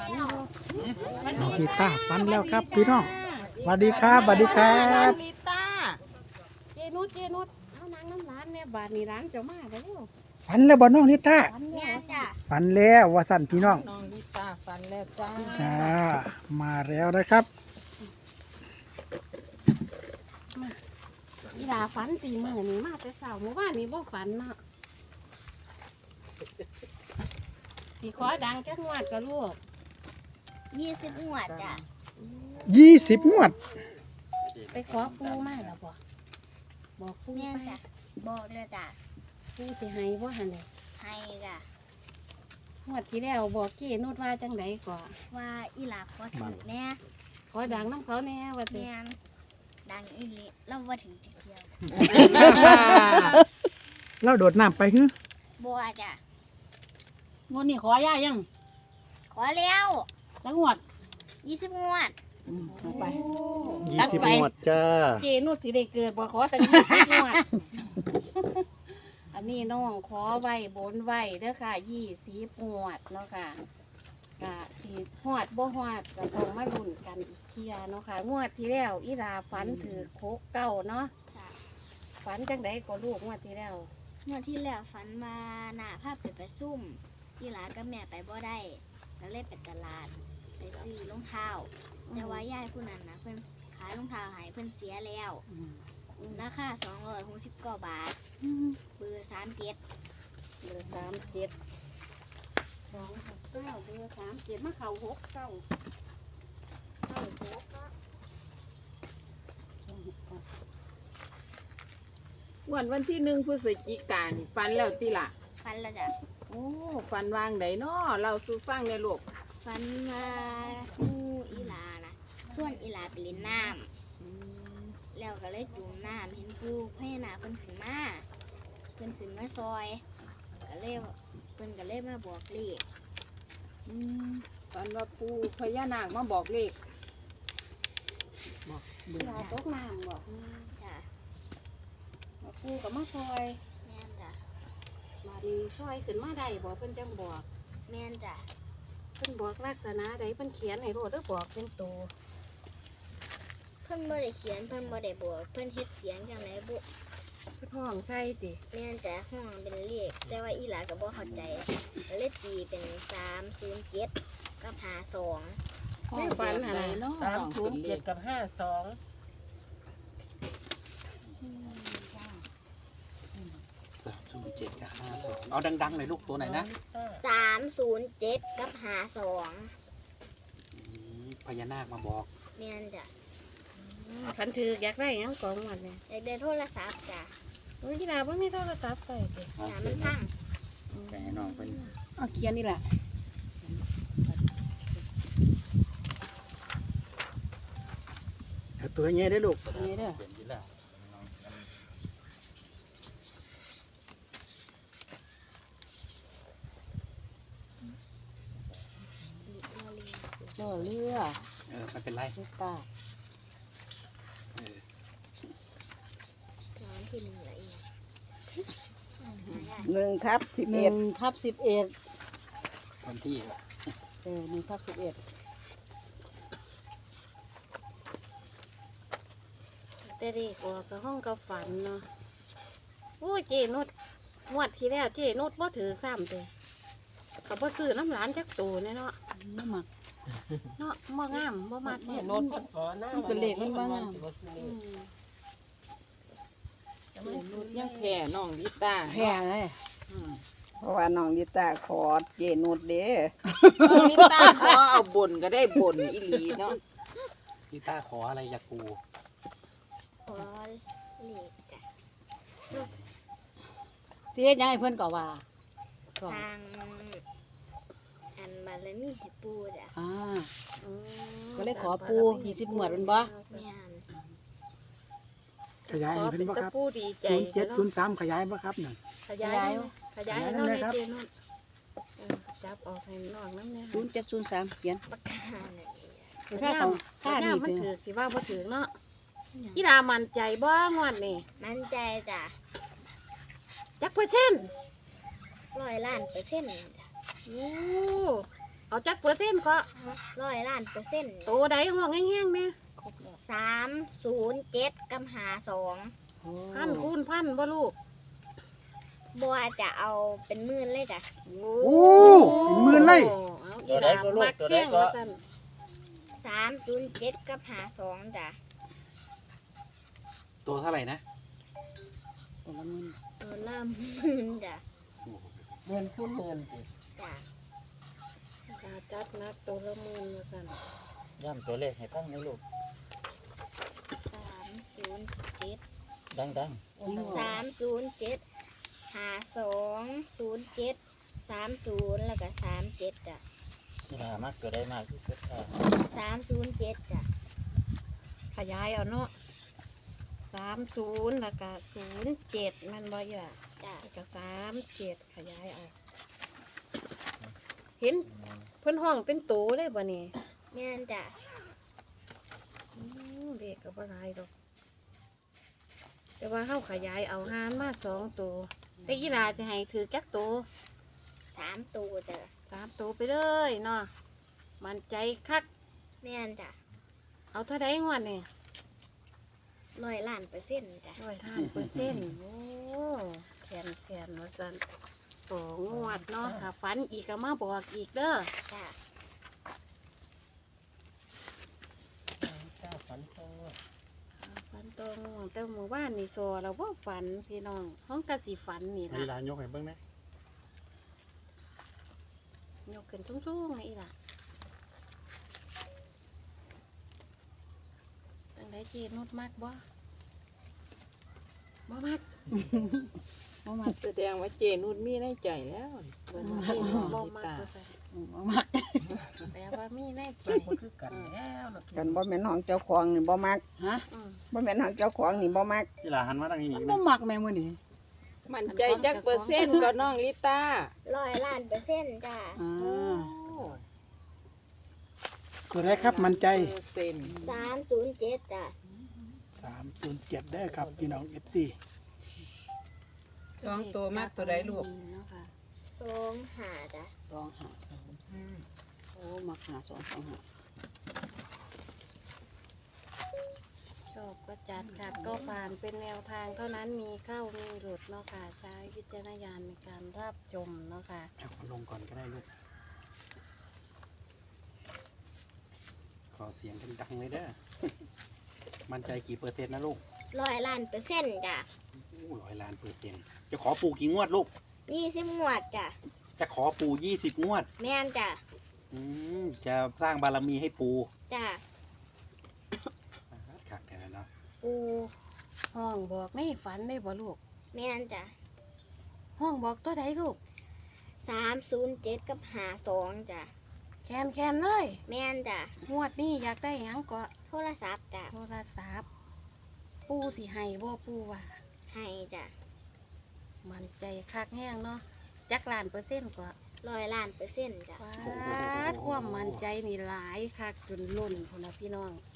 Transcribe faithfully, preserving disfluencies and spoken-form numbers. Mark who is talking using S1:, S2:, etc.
S1: ฝันอยู่
S2: น้องลิต้าฝันแล้วครับพี่น้องสวัสดีครับสวัสดีครับ
S1: ลิต้าเจนุชเจนุชเอานางน้ำร้านแม่บาทนี่ร้านเจ้ามาแล้ว
S2: ฝันแล้วบ่น้องลิต้า
S1: ฝันแล้วจ้ะ
S2: ฝันแล้วว่าสั่นพี่น้อง
S1: น้องลิต้าฝันแล้วจ้า
S2: จ้ามาแล้วนะครับ
S1: อีดาฝันตีมือนี่มาแต่เช้าเมื่อวานนี้บ่ฝันเนาะสีขอดังจักงวดกับลูก
S3: ยี่สิบหวดจ้ะ
S2: ยี่สิบงวด
S1: ไปขอปูมาแล้วบ่บอกปู
S3: แม่
S1: ไป
S3: จ้ะบอกเลยจ้ะ
S1: ปูสิให้บ่หันเลย
S3: ให้จ้ะ
S1: งวดที่แล้วบอกเจนุชว่าจังไดก่อน
S3: ว่าอีหลาขอถึงแน่
S1: ขอดังน้ำเขาแน่ว่าสิ
S3: แม่นดังอีหลิเราว่าถึงจะเที่ยว
S2: เราโดดน้ำไปฮึ
S3: บัวจ้ะ
S1: งวดนี้ขอย่ายัง
S3: ขอแล้ว
S1: จังหวัด
S3: ยี่สิบงวด
S1: ไป
S2: ยี่สิบงวดจ้า
S1: เจนุชสิได้เกิดบ่ขอตั้งยี่สิบงวด อันนี้น้องขอไว้บนไว้เด้อค่ะยี่สิบงวดเนาะค่ะกะสีหอดบ่หอดก็ต้องมาลุ้นกันอีกเทียเนาะค่ะงวดที่แล้วอีราฝันถือโคกเก้าเนาะ
S3: จ้ะ
S1: ฝันจังไดก็ลูกงวดที่แล้ว
S3: งวดที่แล้วฝันมาหน้าภาพเปิดไปซุ่มอีหลากับแม่ไปบ่ได้แล้วเลยไปตลาดไปซื้อรองเท้าแต่ว่ายายผู้นั้นนะเพิ่นขายรองเท้าให้เพิ่นเสียแล้วราคาสองร้อยหกสิบเก้าบาทเบอร์สามเจ็ด
S1: เบอร์สามเจ็ดสองหกเก้าเบอร์สามเจ็ดมาเข่าหกเก้าเก้าหกเก้า
S4: วันวันที่หนึ่งพฤศจิกายนฟันแล้วติล่ะ
S3: ฟันแล้วจ้ะ
S4: โอ้ฟันวางไดเนาะเราสู้ฟังในลูก
S3: ฟันมางูอีหลานะส่วนอีหลาไปเล่นน้ำแล้วก็เลยจุ่มน้ำเห็นปูพญานาคเพิ่นขึ้นมาเพิ่นขึ้นมาซอยก็เลยเพิ่นก็เลยมาบอกเลข
S4: อืมฟันว่าปูพญานาคมาบอกเลข
S1: เวลาตกน้ำบอก
S3: จ้ะ
S1: ว่าปูกับมาซอย
S3: แม่นจ้ะ
S1: มาดีซอยขึ้นมาได้บอกเพิ่นจังบอก
S3: แม่นจ้ะ
S1: เพิ่นบอกลักษณะใดเพิ่นเขียนให้โลดหรือบอกเป็นตัว
S3: เพิ่นบ่ได้เขียนเพิ่นบ่ได้บอกเพิ่นเฮ็ดเสียงจังไดบุ
S1: เพิ่นห้องใช่ติ
S3: แม่นจ้ะห้องเป็นเลขแต่ว่าอีหลาก็บ่เข้าใจก็เลยตีเป็นสามศูนย์เจ็ดกับห้าสอง
S1: ไม่ฝันอะไร
S4: เนาะ
S5: สามศูนย์เจ็ดกับห้าสอง
S2: สามศูนย์เจ็ดกับห้าสองเอาดังๆหน่อยลูกตัวไหนนะ
S3: สามศูนย์เจ็ดกับห้าสอง
S2: พญานาคมาบอก
S3: แม่นจ้ะ
S1: คันถืออยากได้หยังของมันเนี่ย
S3: อยากได้โทรศัพท์จ้ะ
S1: โอ้ยกีฬาบ่มีโทรศัพท์ใส่ติ
S3: จ้ะมันพัง
S2: แต่ให้น้องเป็น
S1: เอาเขียนนี่แหละ
S2: เอาตัวเงี้ยได้ลูก
S1: นี่เด้อ
S4: เจ้าเรือ
S2: เออไม่เป็นไร
S4: ลูกตา
S2: เออ
S3: ร้านที่หนึ่งละเอียด
S5: หนึ่งทับสิบ
S4: ห
S5: เอ็
S4: นึ่
S5: ด
S4: งทับสิบเอ็ด
S2: วันที่
S4: เออหนึ่งทับสิบเอ็ด
S1: แต่เด็กออกกับห้องกับฝันเนาะโอ้ยเจนุดงวดที่แล้วเจนุดบ่ถือซ้ำเลยเขาบ่ซื้อน้ำหลานจักตูเนี่ยเนาะ
S4: ไม่มัก
S1: เนาะบ่งามบ่มัก
S5: นี่
S1: เนี่ย
S5: โน้ตพดขอหน้า
S4: มันเป็นเลขมันบ้าง
S1: อืม
S4: ยังแผ่น้องลิตา
S1: แพ้เลย
S4: อืม
S5: เพราะว่าน้องลิต้าขอเจนุดเด้
S4: น้องลิตาขอเอาบ่นก็ได้บ่นอีหลีเนาะ
S2: ลิต้าขออะไรจากปู
S3: ขอเลขจ้ะ
S1: เสียยังให้เพิ่นก็ว่า
S3: สร้างอันบารมีให้ปูจ้ะ
S1: อ่า
S3: อืม
S1: ก็เลยขอปูยี่สิบหมวดเป็นบ่
S3: แม่น
S2: ขยายให้เป็นบ่ครับ
S1: ปูดีใจ
S2: ศูนย์เจ็ดศูนย์สามขยายบ่ครับนั่น
S1: ขยายขยายให้น้อง
S2: ข
S1: ใน
S2: ยายได้ไหมครับ
S1: เจนุดเออจับออกให้น้องน้ำเนี่ย
S4: ศูนย์เจ็ดศูนย์สามเขียน
S3: ปากกาเนี่ย
S1: ค่าของค่านี่มันถือสิว่าบ่ถือเนาะกีฬามั่นใจบ่งวดนี่
S3: มั่นใจจ้ะ
S1: จักเปอร์เซ็นต์
S3: ร้อยล้านเปอร์เซ็นต์จ้ะ
S1: โอ้เอาจักเปอร์เซ็นต์ก็
S3: ร้อยล้านเปอร์เซ็นต์
S1: โตใดห้องแห้งๆแม่
S3: สามศูนย์เจ็ดกับหาสอง
S1: พันคูณพันบ่ลูก
S3: บัวจะเอาเป็นหมื่นเลยจ้ะ
S2: โอ้เป็นหมื่นเลย
S1: เอาอีหลามักแข้งว่าซั่น
S3: สามศูนย์เจ็ดกับหาสองจ้ะ
S6: ตัวเท่าไหร่นะ
S3: ตัวละหมื่นจ้ะ
S5: เงินคูณเงินสิ
S3: จ้ะ
S1: ตาจัดนักตัวละหมื่นว่าซั่น
S7: ย่ำตัวเลขให้ฟังหน่อยลูก
S3: สามศูนย์เจ็ด
S7: ดัง
S3: สามศูนย์เจ็ดหาสองศูนย์เจ็ดสามศูนย์แล้วก็สามเจ็ดจ้ะ
S7: ๆนี่ล่ะมักตัวได้มากที่สุดค่ะ
S3: สามศูนย์เจ็ดจ้ะ
S1: ขยายเอาเนาะสามศูนย์แล้วก็ศูนย์เจ็ดมันบ่อยู่อ่ะ
S3: จ้ะ
S1: แล้วก็สามเจ็ดขยายเอาเห็นเพิ่นห้องเป็นโตเลยบ่นี่
S3: แม่นจ้ะ
S1: อืมเด็กก็บ่หลายดอกแต่ว่าเฮาขยายเอาหารมาสองตัวไอ้ยีหลาจะให้ถือจักตัว
S3: สามตัวจ้ะ
S1: สามตัวไปเลยเนาะมันใจคัก
S3: แม่นจ้ะ
S1: เอาเท่าไดงวดนี่
S3: ร้อยล้านเปอร์เซ็นต์จ้ะ
S1: ร้อยห้าเปอร์เซ็นต์โอ้แขนแขนว่าซั่นสองงวดเนาะถ้าฝันอีกก็มาบอกอีกเด้อ
S3: จ้ะ
S5: เจ้าฝันโต
S1: ฝันตัวงวดแต่หมู่บ้านนี่โซเราบ่ฝันพี่น้องห้องกะสิฝันนี่
S2: เว
S1: ล่ะ
S2: ลายกให้เบิ่งนะ
S1: ยกขึ้นสูงๆให้อีหล่ะตั้งแต่เจนุดมากบ่บ่มากบ่มาก
S4: แสดงว่าเจนุดมีในใจแล้ว
S1: เบิ่ง
S4: บ่
S1: ว่าเจนุดบ่
S4: บ่
S1: มาก
S4: ตา
S1: ก็ซั่นบ่มากแปลว่ามีแน่ใจ
S5: บ่คือกันแล้วเนาะ
S8: กันบ่แม่นห้องเจ้าของนี่บ่มัก
S2: ฮะ
S1: อืม
S8: บ่แม่นห้องเจ้าของนี่บ่มัก
S2: เวลาหันมาทางนี้
S4: มั
S2: อี
S4: น
S2: ก
S4: บ่
S2: นะ
S4: มักแม่มื้อนี้มันใจจักเปอร์เซ็นต์ก็น้องลิต้า
S3: ร้อยล้านเปอร์เซ็นต์จ้ะ
S2: อ่าตัวแรกครับมันใจ
S4: เปอร์เซ็นต์
S3: สามศูนย์เจ็ดจ้ะ
S2: สามศูนย์เจ็ดได้อครับพี่น้อง เอฟ ซี
S4: สองตัวมากตัวใดลูก
S1: เนาะค่ะ
S3: สองหาจ้ะ
S5: สองห้าสองโอ้มักหาสองสองห้า
S1: ชอบก็จัดขัดก็ผ่านเป็นแนวทางเท่านั้นมีเข้ามีหลุดเนาะค่ะใช้วิจารณญาณในการรับชมเนาะค่ะ
S2: เอาลงก่อนก็ได้ลูก
S6: ขอเสียงดังๆเลยเด้อ มั่นใจกี่เปอร์เซ็นต์นะลูก
S3: ร้อยล้านเปอร์เซ็นต์จ้ะ
S6: อู้ร้อยล้านเปอร์เซ็นต์จะขอปู่กี่งวดลูก
S3: ยี่สิบงวดจ้ะ
S6: จะขอปู่ยี่สิบงวด
S3: แม่นจ้ะ
S6: อืมจะสร้างบารมีให้ปู่
S3: จ้ะ
S6: ขักแค่นั้นเนาะ
S1: ปูห้องบอกไม่ฝันได้บ่ลูก
S3: แม่นจ้ะ
S1: ห้องบอกตัวใดลูก
S3: สามศูนย์เจ็ดกับหาสองจ้ะ
S1: แคนแคนเลย
S3: แม่นจ้ะ
S1: งวดนี้อยากได้หยังก็
S3: โทรศัพท์จ้ะ
S1: โทรศัพท์ปูสิให้บ่ปูว่า
S3: ให้จ้ะ
S1: มันใจคักแห้งเนาะจักล้านเปอร์เซ็นต์ก็
S3: ร้อยล้านเปอร์เซ็นต์จ้ะ
S1: ฟาดความมันใจนี่หลายคักจนล้นพุ่นนะพี่น้อง